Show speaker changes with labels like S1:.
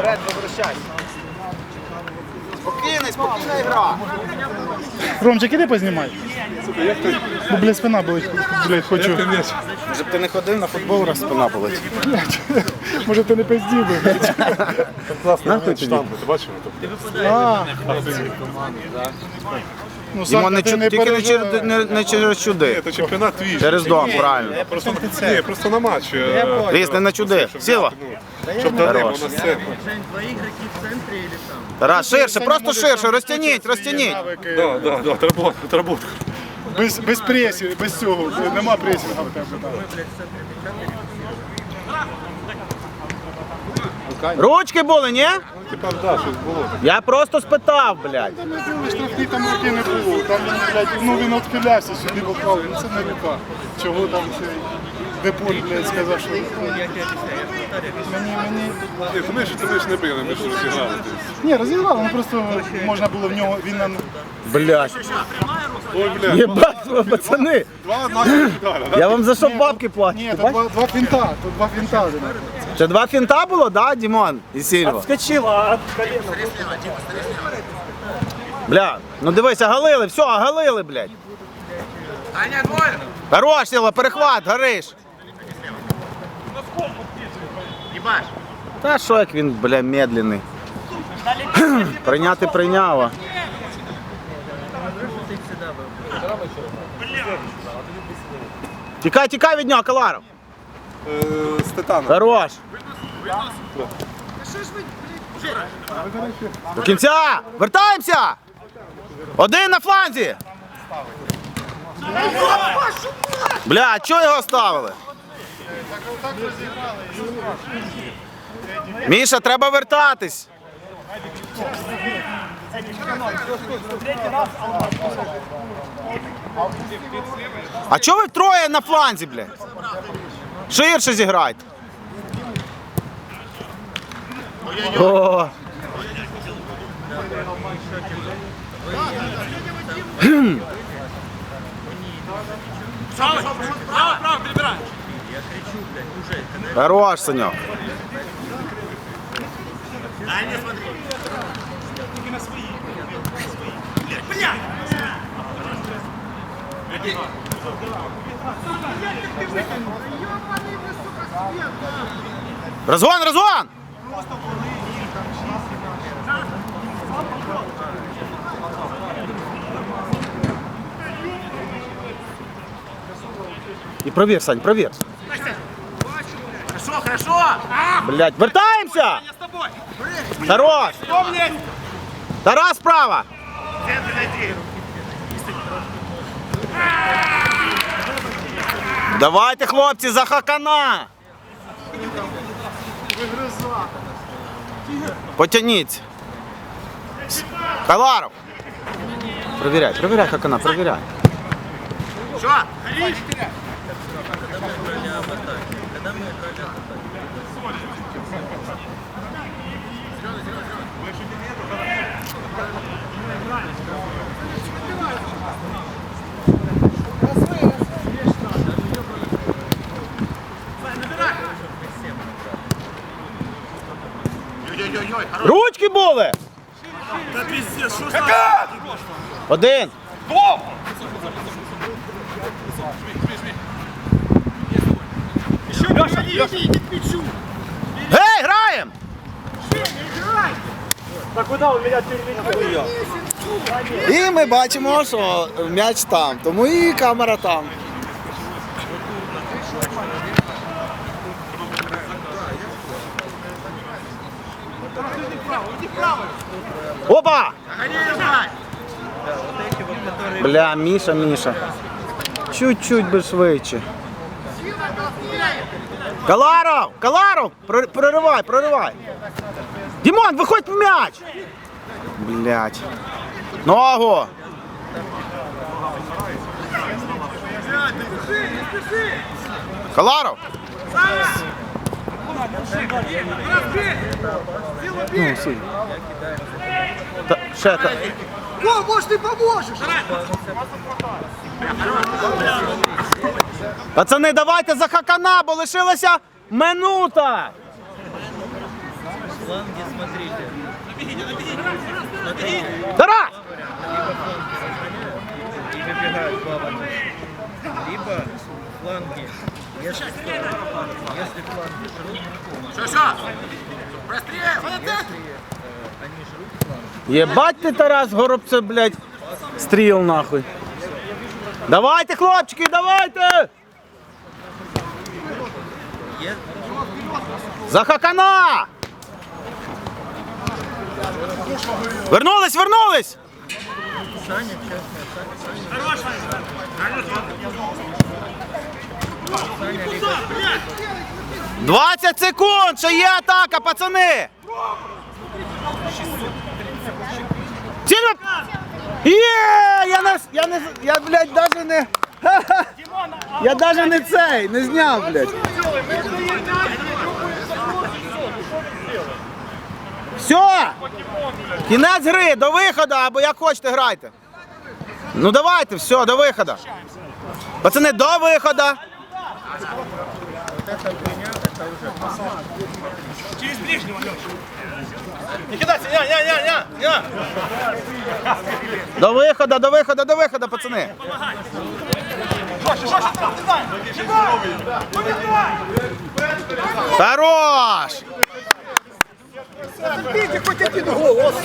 S1: Вперед, возвращайся. Спокійна гра.
S2: Ромчик, іди познімай. Бо, блядь, спина болить, блядь, хочу.
S1: Може б ти не ходив на футбол, раз спина болить.
S2: Може ти не пиздів би, блядь.
S3: Класно, штампи, ти бачив?
S2: Ну,
S1: Дімон,
S2: Санька, ти не
S1: тільки
S2: переживай.
S1: не через чуди.
S3: Це чемпіонат твій.
S1: Через дом, правильно.
S3: Просто на матч.
S1: Лізь, не на чуди. Сіла.
S3: Щоб дали
S1: Хорош.
S3: на сцену.
S1: Тарас, ширше, просто ширше, розтягніть.
S3: Да, отработка.
S2: Без пресів, без цього, нема пресінга в тебе.
S1: Ручки були, ні?
S3: Типа, да, щось було.
S1: Я просто спитав, блядь.
S2: Там не були штрафні, там руки не було. Там він, блядь, ну він відхилявся сюди попав, ну це не рука. Чого там цей Деполь, блядь, сказав, що... Мені...
S3: Ні, ми ж не били, ми ж розіграли.
S2: Ні, розіграли, ну просто можна було в нього, він нам...
S1: Блядь.
S3: Ой, бля.
S1: Єбать, пацани.
S3: Два наших удари, да?
S1: Я вам за що бабки плачу?
S2: Ні, тут два фінта, один.
S1: Це два фінта було, да, Дімон і Сільва?
S2: Скочила от колена.
S1: Бля, ну дивись, оголили, все, оголили, блядь. Хорош, Сіла, перехват, гориш. Та що як він, бля, медленний. Прийняти прийняла. Тікай від нього, Каларов.
S3: З Титаном.
S1: Хорош. До кінця! Вертаємося! Один на фланзі! Бля, чого його ставили? Міша, треба вертатись. А чого ви троє на фланзі, блядь? Ширше зіграйте. О. Хорош, Санек. Разгон! И проверь, Сань, проверь.
S4: Хорошо!
S1: Блять, вертаемся!
S4: Я с тобой!
S1: Хорош! Тарас справа!
S4: Центр найди!
S1: Давайте, хлопці, за Хакана! Потяніться. Каларов! Проверяй, Хакана, проверяй.
S4: Что? Горишь? Ой-ой-ой, хорош!
S1: Ручки були!
S4: Да пиздец, что ж
S1: Один!
S4: Леша, иди к мячу!
S1: Гей, граємо! І ми бачимо, що м'яч там, тому і камера там. Опа! Бля, Міша. Чуть-чуть би швидше. Каларов! Проривай! Дімон, виходь в м'яч! Блять. Ногу! Каларов! Ну, сильно. Ще так.
S4: О, может, ты поможешь!
S1: Пацани, давайте за Хакана, бо лишилася минута!
S5: фланге смотрите.
S1: Тарас!
S5: И выбегают плавно. Либо фланги, если фланги жрут, они жрут фланги.
S1: Єбать ти, Тарас, Горобце, блядь, стріл нахуй. Давайте, хлопчики, давайте! За Хакана! Вернулись, вернулись!
S5: Саня, честно, Саня, либо
S1: 20 секунд, ще є атака, пацани! Цілю! Є! Я, блядь, даже не... Ха-ха! Я даже не цей, не зняв, блядь. Все! Кінець гри, до виходу, або як хочете грайте. Ну давайте, все, до виходу. Пацани, до виходу.
S4: Через ближнего, Леша. Не кидайся, не.
S1: До виходу, до виходу, до виходу, пацани. Хорош!
S4: Бейте хоть один гол.